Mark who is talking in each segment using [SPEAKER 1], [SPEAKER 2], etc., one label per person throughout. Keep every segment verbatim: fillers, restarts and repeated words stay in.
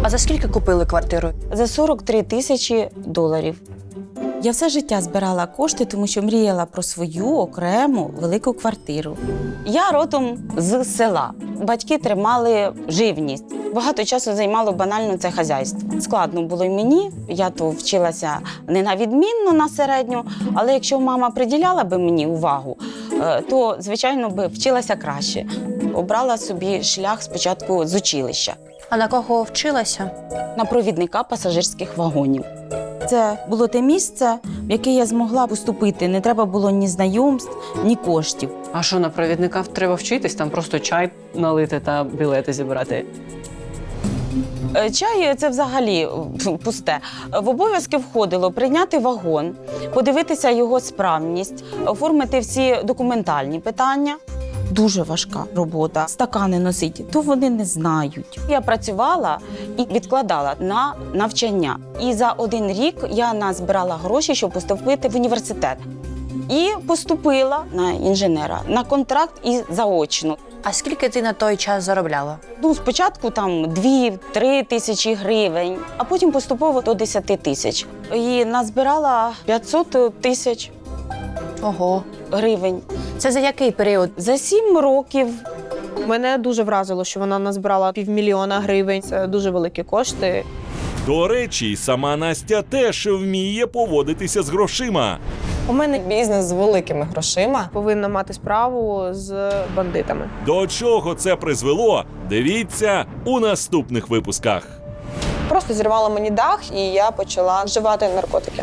[SPEAKER 1] А за скільки купили квартиру?
[SPEAKER 2] За сорок три тисячі доларів. Я все життя збирала кошти, тому що мріяла про свою окрему велику квартиру. Я родом з села. Батьки тримали живність. Багато часу займало банально це хазяйство. Складно було й мені. Я то вчилася не на відмінно, на середню, але якщо мама приділяла би мені увагу, то, звичайно, би вчилася краще. Обрала собі шлях спочатку з училища.
[SPEAKER 1] А на кого вчилася?
[SPEAKER 2] На провідника пасажирських вагонів. Це було те місце, в яке я змогла поступити. Не треба було ні знайомств, ні коштів.
[SPEAKER 3] А що, на провідника треба вчитись? Там просто чай налити та білети зібрати?
[SPEAKER 2] Чай – це взагалі пусте. В обов'язки входило прийняти вагон, подивитися його справність, оформити всі документальні питання. Дуже важка робота. Стакани носити, то вони не знають. Я працювала і відкладала на навчання. І за один рік я назбирала гроші, щоб поступити в університет. І поступила на інженера, на контракт і заочно.
[SPEAKER 1] А скільки ти на той час заробляла?
[SPEAKER 2] Ну, спочатку там дві-три тисячі гривень, а потім поступово до десяти тисяч. І назбирала п'ятсот тисяч
[SPEAKER 1] Ого.
[SPEAKER 2] гривень.
[SPEAKER 1] Це за який період?
[SPEAKER 2] За сім років.
[SPEAKER 4] Мене дуже вразило, що вона назбирала півмільйона гривень. Це дуже великі кошти.
[SPEAKER 5] До речі, сама Настя теж вміє поводитися з грошима.
[SPEAKER 4] У мене
[SPEAKER 6] Бізнес з великими грошима.
[SPEAKER 4] повинна мати справу з бандитами.
[SPEAKER 5] До чого це призвело? Дивіться у наступних випусках.
[SPEAKER 6] Просто зірвала мені дах, і я почала вживати наркотики.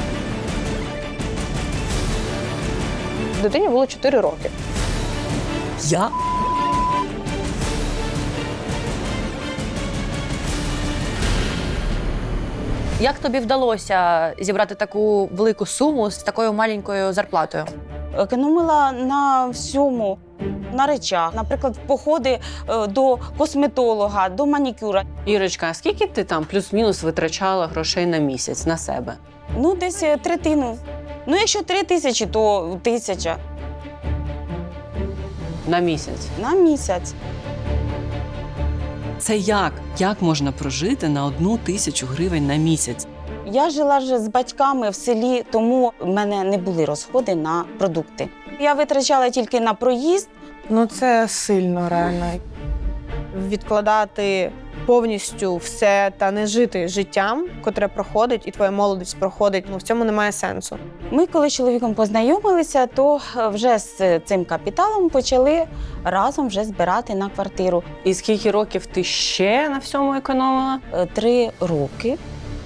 [SPEAKER 4] Дитині було чотири роки.
[SPEAKER 1] Я? Як тобі вдалося зібрати таку велику суму з такою маленькою зарплатою?
[SPEAKER 2] Економила на всьому, на речах. Наприклад, походи е, до косметолога, до манікюра.
[SPEAKER 3] Ірочка, а скільки ти там плюс-мінус витрачала грошей на місяць на себе?
[SPEAKER 2] Ну, десь е, третину. Ну, якщо три тисячі, то тисяча
[SPEAKER 3] На місяць?
[SPEAKER 2] на місяць.
[SPEAKER 3] Це як? Як можна прожити на одну тисячу гривень на місяць?
[SPEAKER 2] Я жила ж з батьками в селі, тому в мене не були розходи на продукти. Я витрачала тільки на проїзд.
[SPEAKER 4] Ну це сильно реально. Відкладати повністю все та не жити життям, котре проходить, і твоя молодість проходить, ну в цьому немає сенсу.
[SPEAKER 2] Ми, коли з чоловіком познайомилися, то вже з цим капіталом почали разом вже збирати на квартиру.
[SPEAKER 3] І скільки років ти ще на всьому економила?
[SPEAKER 2] Е, Три роки,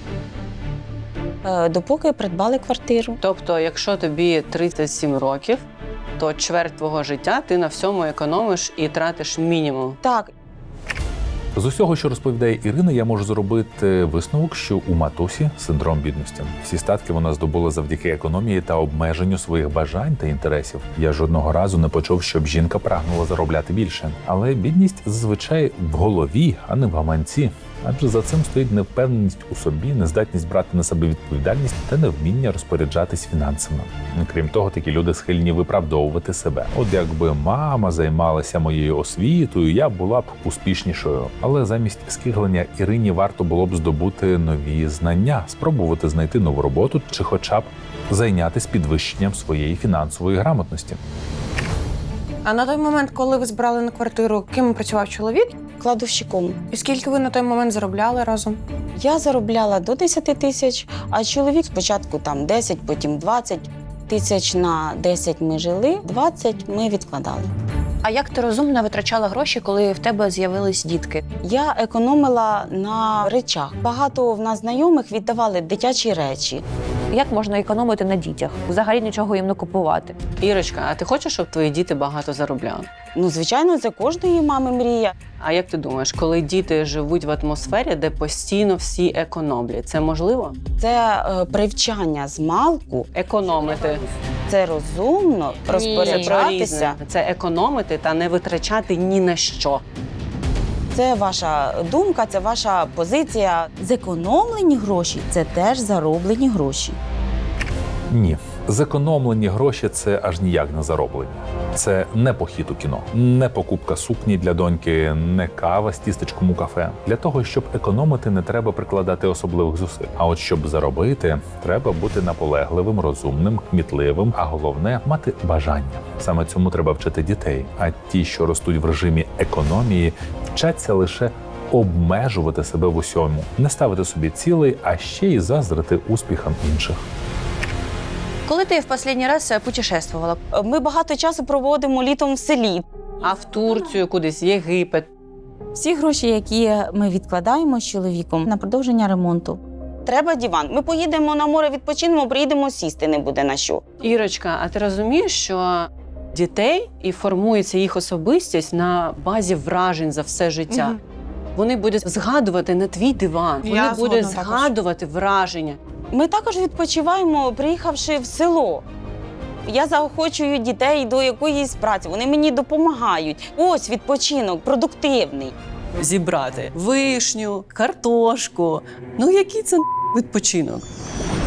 [SPEAKER 2] е, допоки придбали квартиру.
[SPEAKER 3] Тобто, якщо тобі тридцять сім років, то чверть твого життя ти на всьому економиш і тратиш мінімум.
[SPEAKER 2] Так,
[SPEAKER 7] З усього, що розповідає Ірина, я можу зробити висновок, що у матусі синдром бідності. Всі статки вона здобула завдяки економії та обмеженню своїх бажань та інтересів. Я жодного разу не почув, щоб жінка прагнула заробляти більше. Але бідність зазвичай в голові, а не в гаманці. Адже за цим стоїть невпевненість у собі, нездатність брати на себе відповідальність та невміння розпоряджатись фінансами. Крім того, такі люди схильні виправдовувати себе. От якби мама займалася моєю освітою, я була б успішнішою. Але замість скиглення Ірині варто було б здобути нові знання, спробувати знайти нову роботу чи хоча б зайнятися підвищенням своєї фінансової грамотності.
[SPEAKER 4] А на той момент, коли ви збирали на квартиру, ким працював чоловік?
[SPEAKER 2] кладовщиком.
[SPEAKER 4] І скільки ви на той момент заробляли разом?
[SPEAKER 2] Я заробляла до десяти тисяч, а чоловік спочатку там десять, потім двадцять тисяч. На десять ми жили, двадцять ми відкладали.
[SPEAKER 1] А як ти розумно витрачала гроші, коли в тебе з'явились дітки?
[SPEAKER 2] Я економила на речах. Багато в нас знайомих віддавали дитячі речі.
[SPEAKER 1] Як можна економити на дітях? Взагалі нічого їм не купувати.
[SPEAKER 3] Ірочка, а ти хочеш, щоб твої діти багато заробляли?
[SPEAKER 2] Ну, звичайно, це кожної мами мрія.
[SPEAKER 3] А як ти думаєш, коли діти живуть в атмосфері, де постійно всі економлять, це можливо?
[SPEAKER 2] Це е, привчання з малку,
[SPEAKER 3] Економити.
[SPEAKER 2] це розумно
[SPEAKER 3] Це про
[SPEAKER 2] розпоряджатися.
[SPEAKER 3] різне. Це економити та не витрачати ні на що.
[SPEAKER 2] Це ваша думка, це ваша позиція. Зекономлені гроші – це теж зароблені гроші.
[SPEAKER 7] Ні. Зекономлені гроші – це аж ніяк не зароблення. Це не похід у кіно, не покупка сукні для доньки, не кава з тістечком у кафе. Для того, щоб економити, не треба прикладати особливих зусиль. А от щоб заробити, треба бути наполегливим, розумним, кмітливим, а головне – мати бажання. Саме цьому треба вчити дітей. А ті, що ростуть в режимі економії, вчаться лише обмежувати себе в усьому, не ставити собі цілей, а ще й заздрити успіхам інших.
[SPEAKER 1] Коли ти в останній раз путешествувала?
[SPEAKER 2] Ми багато часу проводимо літом в селі.
[SPEAKER 3] А в Турцію кудись, в Єгипет.
[SPEAKER 2] Всі гроші, які ми відкладаємо з чоловіком на продовження ремонту. Треба диван. Ми поїдемо на море, відпочинемо, приїдемо, сісти не буде на що.
[SPEAKER 3] Ірочка, а ти розумієш, що дітей і формується їх особистість на базі вражень за все життя?
[SPEAKER 4] Мгм.
[SPEAKER 3] Вони будуть згадувати не твій диван,
[SPEAKER 4] Я
[SPEAKER 3] вони будуть
[SPEAKER 4] згодна також.
[SPEAKER 3] згадувати враження.
[SPEAKER 2] Ми також відпочиваємо, приїхавши в село. Я заохочую дітей до якоїсь праці, вони мені допомагають. Ось відпочинок, продуктивний.
[SPEAKER 3] Зібрати вишню, картошку. Ну який це відпочинок?